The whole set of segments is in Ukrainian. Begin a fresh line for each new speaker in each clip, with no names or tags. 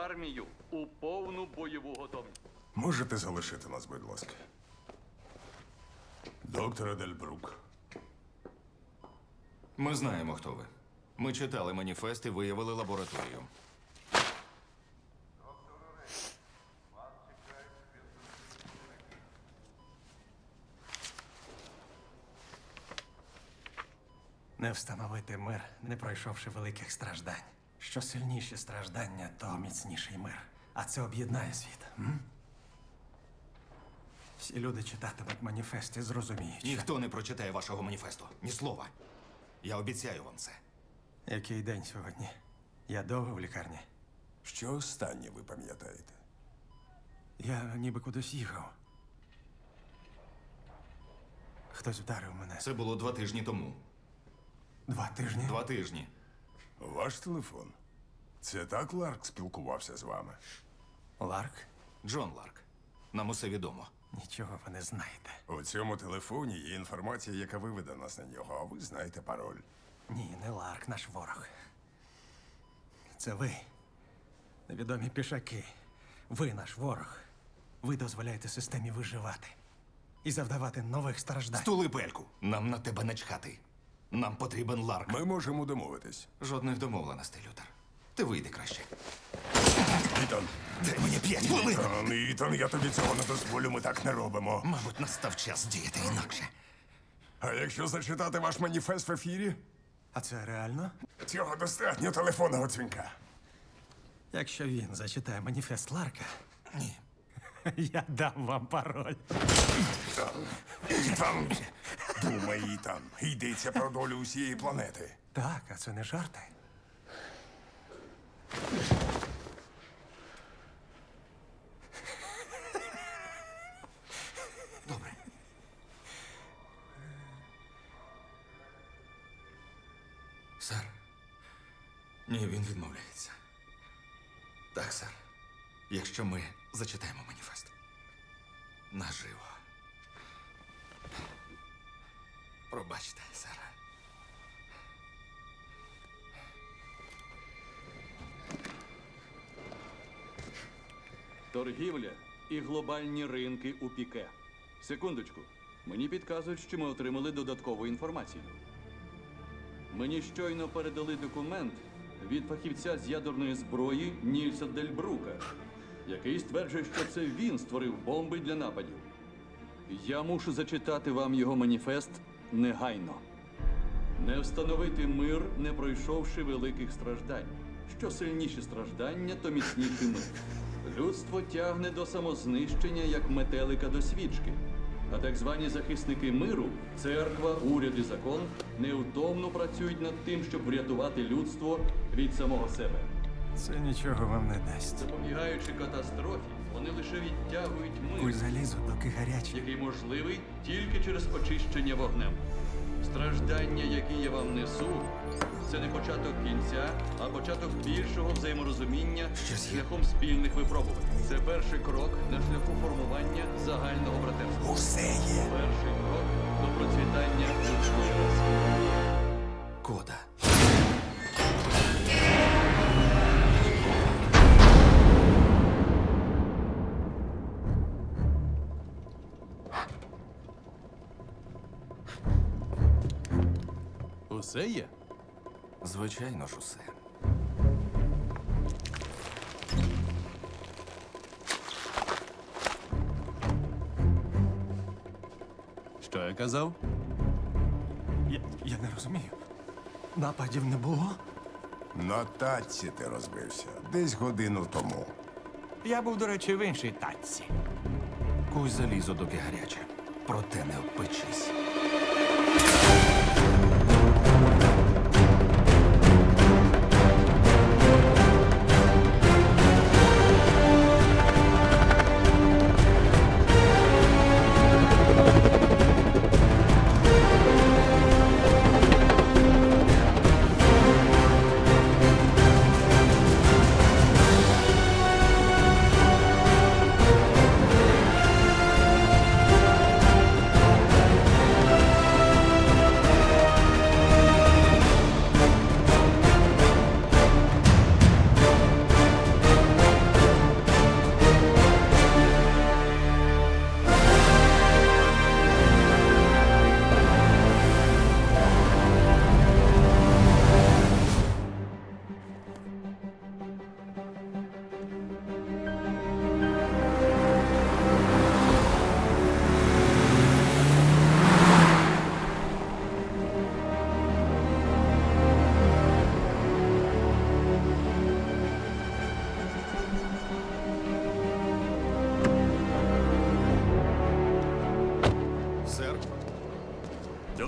армію у повну бойову готовність.
Можете залишити нас, будь ласка. Доктор Дельбрук.
Ми знаємо, хто ви. Ми читали маніфест і виявили лабораторію.
Не встановити мир, не пройшовши великих страждань. Що сильніші страждання, то міцніший мир. А це об'єднає світ. Всі люди читатимуть маніфест і зрозуміють.
Ніхто не прочитає вашого маніфесту. Ні слова. Я обіцяю вам це.
Який день сьогодні? Я довго в лікарні.
Що останнє ви пам'ятаєте?
Я ніби кудись їхав. Хтось вдарив мене.
Це було 2 тижні тому.
2 тижні?
2 тижні.
Ваш телефон. Це так Ларк спілкувався з вами?
Ларк?
Джон Ларк. Нам усе відомо.
Нічого ви не знаєте.
У цьому телефоні є інформація, яка виведе нас на нього, а ви знаєте пароль.
Ні, не Ларк, наш ворог. Це ви. Невідомі пішаки. Ви наш ворог. Ви дозволяєте системі виживати. І завдавати нових страждань.
Стули пельку. Нам на тебе начхати. Нам потрібен Ларк.
Ми можемо домовитись.
Жодних домовленостей, Лютер. Ти вийди краще.
Ітан,
Дай мені 5 хвилин.
Ітан, я тобі цього не дозволю, ми так не робимо.
Мабуть, настав час діяти інакше.
А якщо зачитати ваш маніфест в ефірі?
А це реально?
Цього достатньо телефонного дзвінка.
Якщо він зачитає маніфест Ларка,
Ні.
я дам вам пароль.
Ітан, думай, Ітан. Йдеться про долю усієї планети.
Так, а це не жарти.
Добре. Сер. Ні, він відмовляється. Так, сер. Якщо ми зачитаємо маніфест. Наживо. Пробачте, сер.
Торгівля і глобальні ринки у піке. Секундочку. Мені підказують, що ми отримали додаткову інформацію. Мені щойно передали документ від фахівця з ядерної зброї Нільса Дельбрука, який стверджує, що це він створив бомби для нападів. Я мушу зачитати вам його маніфест негайно. Не встановити мир, не пройшовши великих страждань. Що сильніші страждання, то міцніший мир. Людство тягне до самознищення, як метелика до свічки. А так звані захисники миру, церква, уряд і закон, невтомно працюють над тим, щоб врятувати людство від самого себе.
Це нічого вам не дасть.
Запобігаючи катастрофі, вони лише відтягують
Куй
мир,
залізо, доки гаряче.
який можливий тільки через очищення вогнем. Страждання, які я вам несу, це не початок кінця, а початок більшого взаєморозуміння шляхом спільних випробувань. Це перший крок на шляху формування загального братерства.
Усе є.
Перший крок до процвітання людської раси.
Кода.
Усе є?
Звичайно ж усе.
Що я казав?
Я не розумію. Нападів не було?
На татці ти розбився. Десь годину тому.
Я був, до речі, в іншій татці.
Куй залізо, доки гаряче. Проте не обпечись.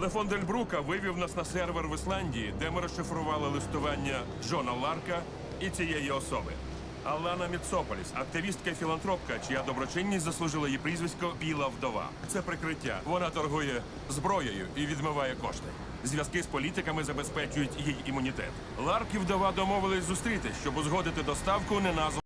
Телефон Дельбрука вивів нас на сервер в Ісландії, де ми розшифрували листування Джона Ларка і цієї особи. Алана Міцополіс, активістка і філантропка, чия доброчинність заслужила її прізвисько Біла Вдова. Це прикриття. Вона торгує зброєю і відмиває кошти. Зв'язки з політиками забезпечують їй імунітет. Ларк і Вдова домовились зустрітись, щоб узгодити доставку неназваної